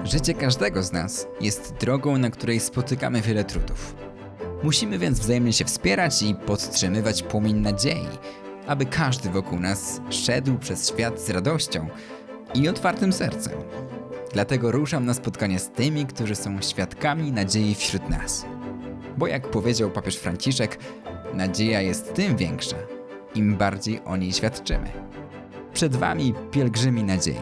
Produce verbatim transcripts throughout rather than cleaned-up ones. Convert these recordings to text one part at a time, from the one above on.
Życie każdego z nas jest drogą, na której spotykamy wiele trudów. Musimy więc wzajemnie się wspierać i podtrzymywać płomień nadziei, aby każdy wokół nas szedł przez świat z radością i otwartym sercem. Dlatego ruszam na spotkanie z tymi, którzy są świadkami nadziei wśród nas. Bo jak powiedział papież Franciszek, nadzieja jest tym większa, im bardziej o niej świadczymy. Przed wami pielgrzymi nadziei.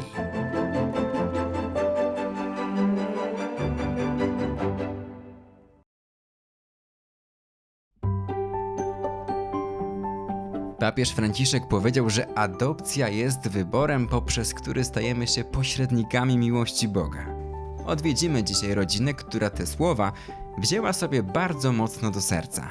Papież Franciszek powiedział, że adopcja jest wyborem, poprzez który stajemy się pośrednikami miłości Boga. Odwiedzimy dzisiaj rodzinę, która te słowa wzięła sobie bardzo mocno do serca.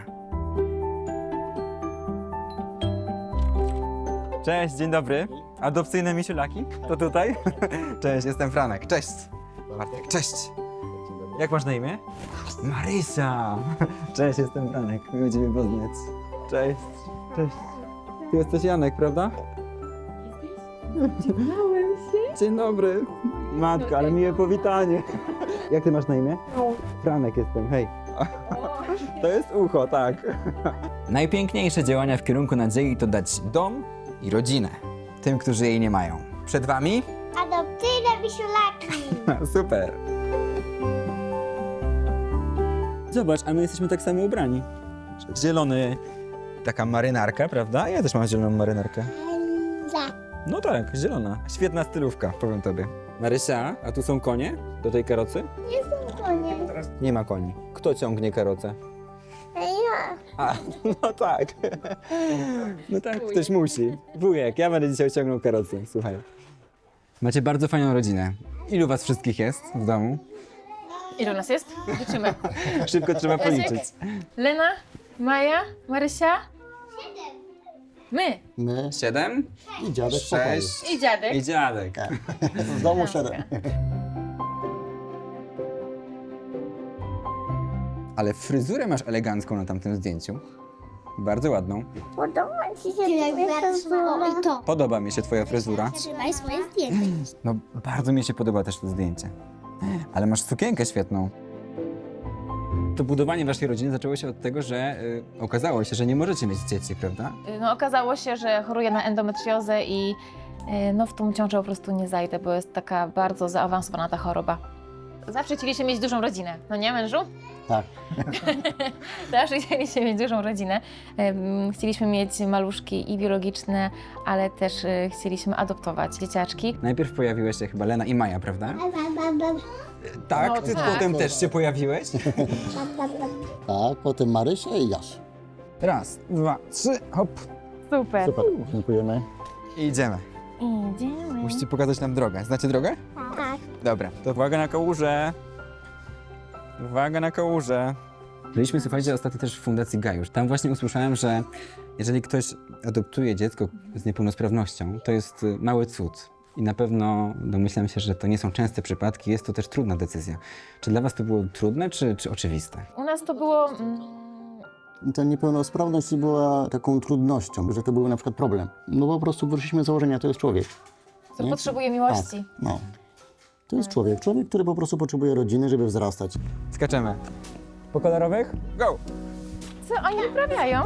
Cześć, dzień dobry. Adopcyjne misiulaki? To tutaj? Cześć, jestem Franek. Cześć. Bartek, cześć. Jak masz na imię? Marysia. Cześć, jestem Franek. Miło Ciebie poznać. Cześć. Cześć. Ty jesteś Janek, prawda? Znałem się. Dzień dobry. Matko, ale miłe powitanie. Jak Ty masz na imię? Franek jestem, hej. To jest ucho, tak. Najpiękniejsze działania w kierunku nadziei to dać dom i rodzinę tym, którzy jej nie mają. Przed Wami? Adopcyjne wisiulaki. Super. Zobacz, a my jesteśmy tak samo ubrani. Zielony, taka marynarka, prawda? Ja też mam zieloną marynarkę. Za. No tak, zielona. Świetna stylówka, powiem tobie. Marysia, a tu są konie do tej karocy? Nie są konie. Nie ma koni. Kto ciągnie karocę? Ja. A, no tak. No tak, ktoś musi. Wujek, ja będę dzisiaj ciągnął karocę, słuchaj. Macie bardzo fajną rodzinę. Ilu was wszystkich jest w domu? Ilu nas jest? Liczymy. Szybko trzeba policzyć. Lena, Maja, Marysia. My. My Siedem? i dziadek w pokoju. Sześć. I dziadek. I dziadek. W domu siedem. Ale fryzurę masz elegancką na tamtym zdjęciu. Bardzo ładną. Podoba ci się to i to. Podoba mi się twoja fryzura. Trzymaj swoje zdjęcie. No, bardzo mi się podoba też to zdjęcie. Ale masz sukienkę świetną. To budowanie waszej rodziny zaczęło się od tego, że y, okazało się, że nie możecie mieć dzieci, prawda? No, okazało się, że choruję na endometriozę i y, no, w tą ciążę po prostu nie zajdę, bo jest taka bardzo zaawansowana ta choroba. Zawsze chcieliśmy mieć dużą rodzinę, no nie, mężu? Tak. Zawsze chcieliśmy mieć dużą rodzinę. Ym, Chcieliśmy mieć maluszki i biologiczne, ale też y, chcieliśmy adoptować dzieciaczki. Najpierw pojawiłeś się chyba Lena i Maja, prawda? Ba, Tak, No, ty tak. potem też się pojawiłeś? ba, ba, ba. Tak, potem Marysia i Jaś. Raz, dwa, trzy, hop. Super. Super, dziękujemy. I idziemy. Idziemy. Musicie pokazać nam drogę. Znacie drogę? Tak. Dobra, to uwaga na kałużę. Uwaga na kałużę. Byliśmy, słuchajcie, ostatnio też w Fundacji Gajusz. Tam właśnie usłyszałem, że jeżeli ktoś adoptuje dziecko z niepełnosprawnością, to jest y, mały cud. I na pewno domyślam się, że to nie są częste przypadki, jest to też trudna decyzja. Czy dla was to było trudne, czy, czy oczywiste? U nas to było... Mm, Ta niepełnosprawność nie była taką trudnością, że to był na przykład problem. No po prostu wyszliśmy z założenia, to jest człowiek. który Nie? potrzebuje miłości. Tak, no. To jest człowiek. Człowiek, który po prostu potrzebuje rodziny, żeby wzrastać. Skaczemy. Po kolorowych? Go! Co oni wyprawiają?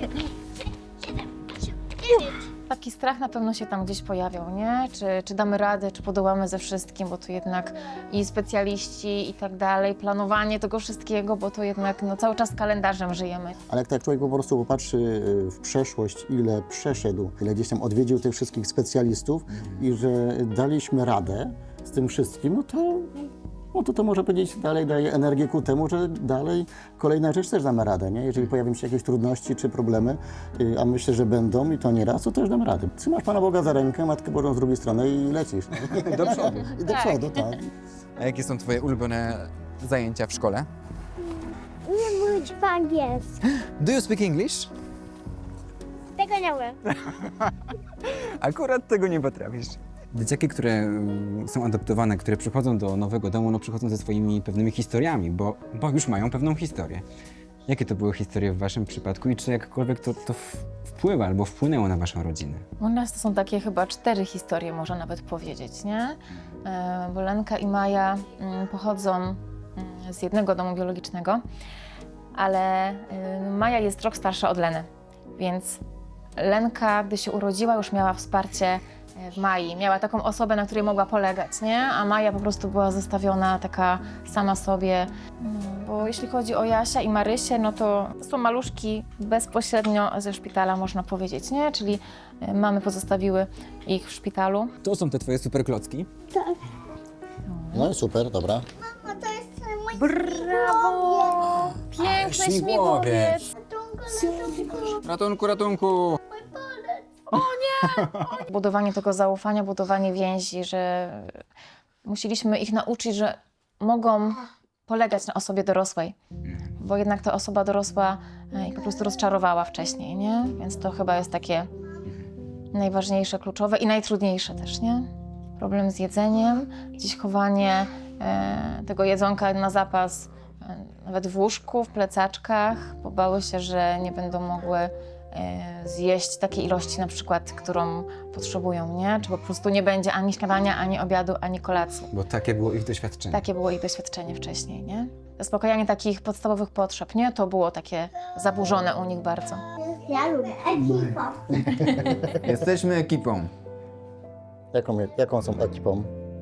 Taki strach na pewno się tam gdzieś pojawiał, nie? Czy, czy damy radę, czy podołamy ze wszystkim, bo tu jednak i specjaliści i tak dalej, planowanie tego wszystkiego, bo to jednak no, cały czas kalendarzem żyjemy. Ale jak tak człowiek po prostu popatrzy y, w przeszłość, ile przeszedł, ile gdzieś tam odwiedził tych wszystkich specjalistów i że daliśmy radę z tym wszystkim, no to, no to to może powiedzieć dalej daje energię ku temu, że dalej kolejna rzecz też damy radę, nie? Jeżeli pojawią się jakieś trudności czy problemy, y, a myślę, że będą i to nie raz, to też damy radę. Trzymasz Pana Boga za rękę, Matkę Bożą z drugiej strony i lecisz. Do przodu. I do Tak. przodu, tak. A jakie są twoje ulubione zajęcia w szkole? Nie mówić po angielsku. Do you speak English? Tego nie umiem. Akurat tego nie potrafisz. Dzieciaki, które mm, są adoptowane, które przychodzą do nowego domu, no przychodzą ze swoimi pewnymi historiami, bo, bo już mają pewną historię. Jakie to były historie w waszym przypadku i czy jakkolwiek to, to w- wpływa albo wpłynęło na waszą rodzinę? U nas to są takie chyba cztery historie, można nawet powiedzieć, nie? E, Bo Lenka i Maja mm, pochodzą mm, z jednego domu biologicznego, ale y, Maja jest rok starsza od Leny, więc Lenka, gdy się urodziła, już miała wsparcie e, w Mai. Miała taką osobę, na której mogła polegać, nie? A Maja po prostu była zostawiona taka sama sobie. No, bo jeśli chodzi o Jasia i Marysię, no to są maluszki bezpośrednio ze szpitala, można powiedzieć, nie? Czyli e, mamy pozostawiły ich w szpitalu. To są te twoje super klocki. No i super, dobra. Mamo, to jest mój Brawo! Piękny śmigłowiec. śmigłowiec! Ratunku, ratunku! Budowanie tego zaufania, budowanie więzi, że musieliśmy ich nauczyć, że mogą polegać na osobie dorosłej, bo jednak ta osoba dorosła e, ich po prostu rozczarowała wcześniej, nie? Więc to chyba jest takie najważniejsze, kluczowe i najtrudniejsze też, nie? Problem z jedzeniem, gdzieś chowanie e, tego jedzonka na zapas, e, nawet w łóżku, w plecaczkach, bo bały się, że nie będą mogły e, zjeść takiej ilości na przykład, którą potrzebują, nie? Czy po prostu nie będzie ani śniadania, ani obiadu, ani kolacji. Bo takie było ich doświadczenie. Takie było ich doświadczenie wcześniej, nie? Zaspokajanie takich podstawowych potrzeb, nie? To było takie zaburzone u nich bardzo. Ja lubię ekipa. Jesteśmy ekipą. Jaką, jaką są ekipą?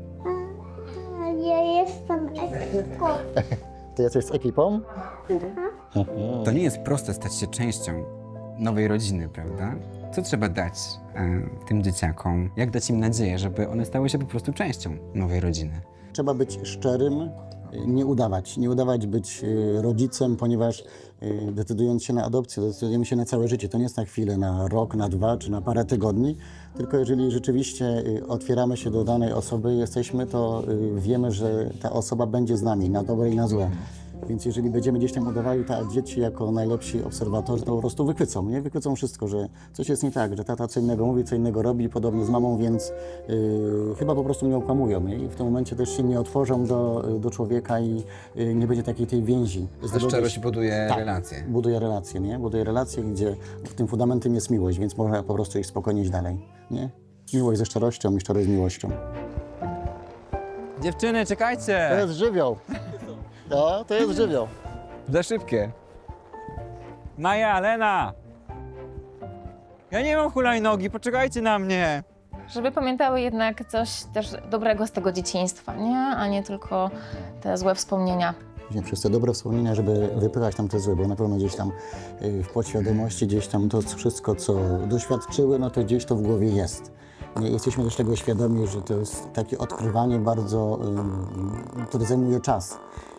Ja jestem ekipą. Ty jesteś z ekipą? To nie jest proste stać się częścią nowej rodziny, prawda? Co trzeba dać e, tym dzieciakom? Jak dać im nadzieję, żeby one stały się po prostu częścią nowej rodziny? Trzeba być szczerym, nie udawać. Nie udawać być y, rodzicem, ponieważ y, decydując się na adopcję, decydujemy się na całe życie. To nie jest na chwilę, na rok, na dwa czy na parę tygodni, tylko jeżeli rzeczywiście y, otwieramy się do danej osoby, jesteśmy, to y, wiemy, że ta osoba będzie z nami, na dobre i na złe. Więc jeżeli będziemy gdzieś tam udawali te dzieci jako najlepsi obserwatorzy, to po prostu wykwycą, nie? Wykwycą wszystko, że coś jest nie tak, że tata co innego mówi, co innego robi, podobnie z mamą, więc yy, chyba po prostu mnie okłamują, nie? I w tym momencie też się nie otworzą do, do człowieka i yy, nie będzie takiej tej więzi. Ta szczerość buduje Tak. relacje. Buduje relacje, nie? Buduje relacje, gdzie tym fundamentem jest miłość, więc można po prostu iść spokojnie iść dalej, nie? Miłość ze szczerością i szczerość z miłością. Dziewczyny, To czekajcie! jest żywioł. No, to jest żywioł. Za szybkie. Maja, Lena! Ja nie mam hulajnogi, poczekajcie na mnie! Żeby pamiętały jednak coś też dobrego z tego dzieciństwa, nie? A nie tylko te złe wspomnienia. Nie, przez te dobre wspomnienia, żeby wypychać tam te złe, bo na pewno gdzieś tam y, w podświadomości, gdzieś tam to wszystko, co doświadczyły, no to gdzieś to w głowie jest. Nie, jesteśmy też tego świadomi, że to jest takie odkrywanie bardzo, y, które zajmuje czas.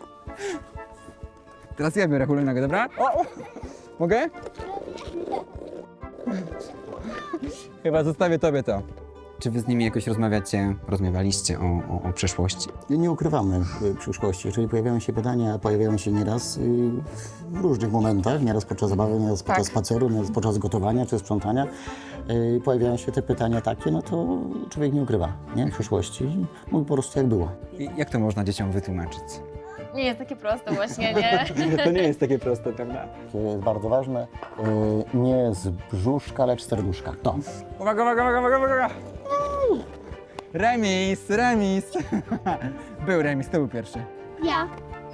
Teraz ja biorę hulajnogę, dobra? O, o. Mogę? Chyba zostawię tobie to. Czy wy z nimi jakoś rozmawiacie, rozmawialiście o, o, o przeszłości? Nie, nie ukrywamy y, przyszłości. Jeżeli pojawiają się pytania, pojawiają się nieraz y, w różnych momentach, nieraz podczas zabawy, nieraz podczas spaceru, nieraz podczas gotowania czy sprzątania, y, pojawiają się te pytania takie, no to człowiek nie ukrywa, nie? Przyszłości. Mówi po prostu jak było. I jak to można dzieciom wytłumaczyć? Nie jest takie proste właśnie, nie? To nie jest takie proste, prawda? To jest bardzo ważne. y, Nie z brzuszka, lecz z serduszka. To. Uwaga, uwaga, uwaga, uwaga, uwaga! Remis, remis! Był remis, to był pierwszy. Ja.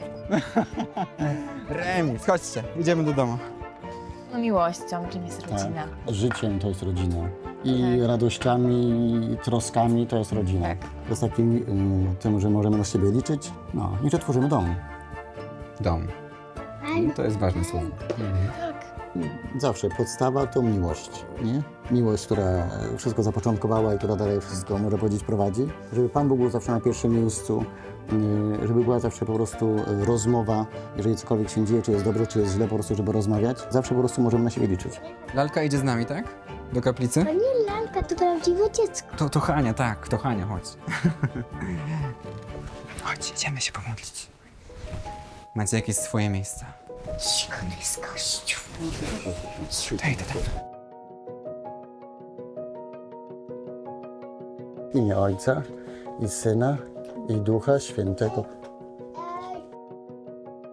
Remis, chodźcie, idziemy do domu. No miłością, czym jest rodzina. Tak. Życiem to jest rodzina. I Tak. radościami, i troskami to jest rodzina. Tak. To jest takim y, tym, że możemy na siebie liczyć. No i że tworzymy dom. Dom. To jest ważne słowo. Tak. Zawsze podstawa to miłość, nie? Miłość, która wszystko zapoczątkowała i która dalej wszystko, może powiedzieć, prowadzi. Żeby Pan Bóg był zawsze na pierwszym miejscu, yy, żeby była zawsze po prostu yy, rozmowa, jeżeli cokolwiek się dzieje, czy jest dobrze, czy jest źle, po prostu, żeby rozmawiać. Zawsze po prostu możemy na siebie liczyć. Lalka idzie z nami, tak? Do kaplicy? To nie lalka, to prawdziwe dziecko. To, to Hania, tak, to Hania, chodź. Chodź, idziemy się pomodlić. Macie jakieś swoje miejsca? Cicho, jest kościół. To idę tam. W imię Ojca i Syna i Ducha Świętego.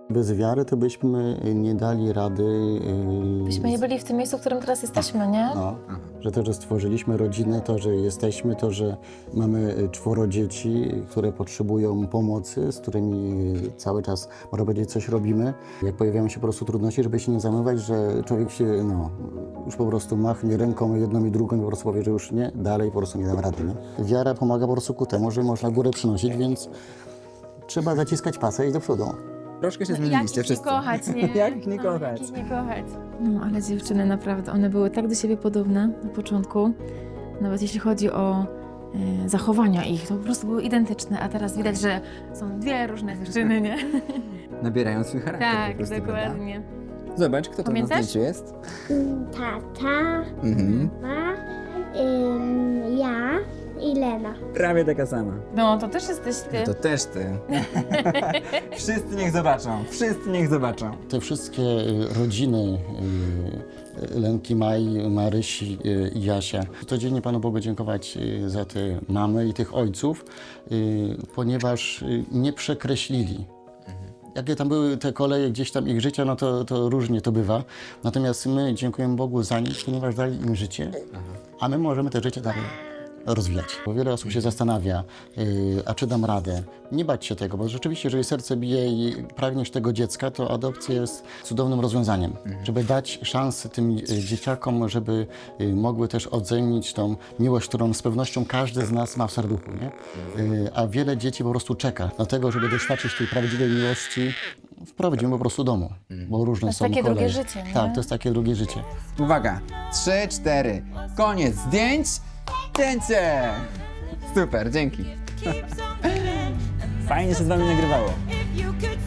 Bez wiary to byśmy nie dali rady. Yy, Byśmy nie byli w tym miejscu, w którym teraz jesteśmy, nie? No, że to, że stworzyliśmy rodzinę, to, że jesteśmy, to, że mamy czworo dzieci, które potrzebują pomocy, z którymi cały czas, można powiedzieć, coś robimy. Jak pojawiają się po prostu trudności, żeby się nie zamywać, że człowiek się, no, już po prostu machnie ręką jedną i drugą i po prostu powie, że już nie, dalej po prostu nie dam rady, nie? Wiara pomaga po prostu ku temu, że można górę przynosić, więc trzeba zaciskać pasę i iść do przodu. Troszkę się Jak zmieniliście ich nie wszyscy. kochać, nie? Jak ich nie No, kochać? Jak ich nie kochać. No, ale dziewczyny naprawdę, one były tak do siebie podobne na początku. Nawet jeśli chodzi o e, zachowania ich, to po prostu były identyczne, a teraz widać, że są dwie różne dziewczyny, nie? Nabierają swój charakter po Tak, prostu, dokładnie. prawda? Zobacz, kto to Pamiętasz? na zdjęciu jest. Mm, Tata, Mhm. mama, ym, ja i Lena. Prawie taka sama. No, to też jesteś ty. To też ty. Wszyscy niech zobaczą. Wszyscy niech zobaczą. Te wszystkie y, rodziny y, Lenki, Maj, Marysi y, i Jasia. Codziennie Panu Bogu dziękować y, za te mamy i tych ojców, y, ponieważ y, nie przekreślili. Jakie tam były te koleje gdzieś tam ich życia, no to, to różnie to bywa. Natomiast my dziękujemy Bogu za nich, ponieważ dali im życie, a my możemy te życie dalej rozwijać. Bo wiele osób się zastanawia, yy, a czy dam radę? Nie bać się tego, bo rzeczywiście, jeżeli serce bije i pragniesz tego dziecka, to adopcja jest cudownym rozwiązaniem, żeby dać szansę tym y, dzieciakom, żeby y, mogły też odzemić tą miłość, którą z pewnością każdy z nas ma w serduchu, nie? Yy, a wiele dzieci po prostu czeka na tego, żeby doświadczyć tej prawdziwej miłości w prawdziwym po prostu domu, bo różne jest są takie koleje. drugie życie, nie? Tak, to jest takie drugie życie. Uwaga. Trzy, cztery. Koniec zdjęć. Zdjęcie! Super, dzięki. Fajnie się z wami nagrywało. If you could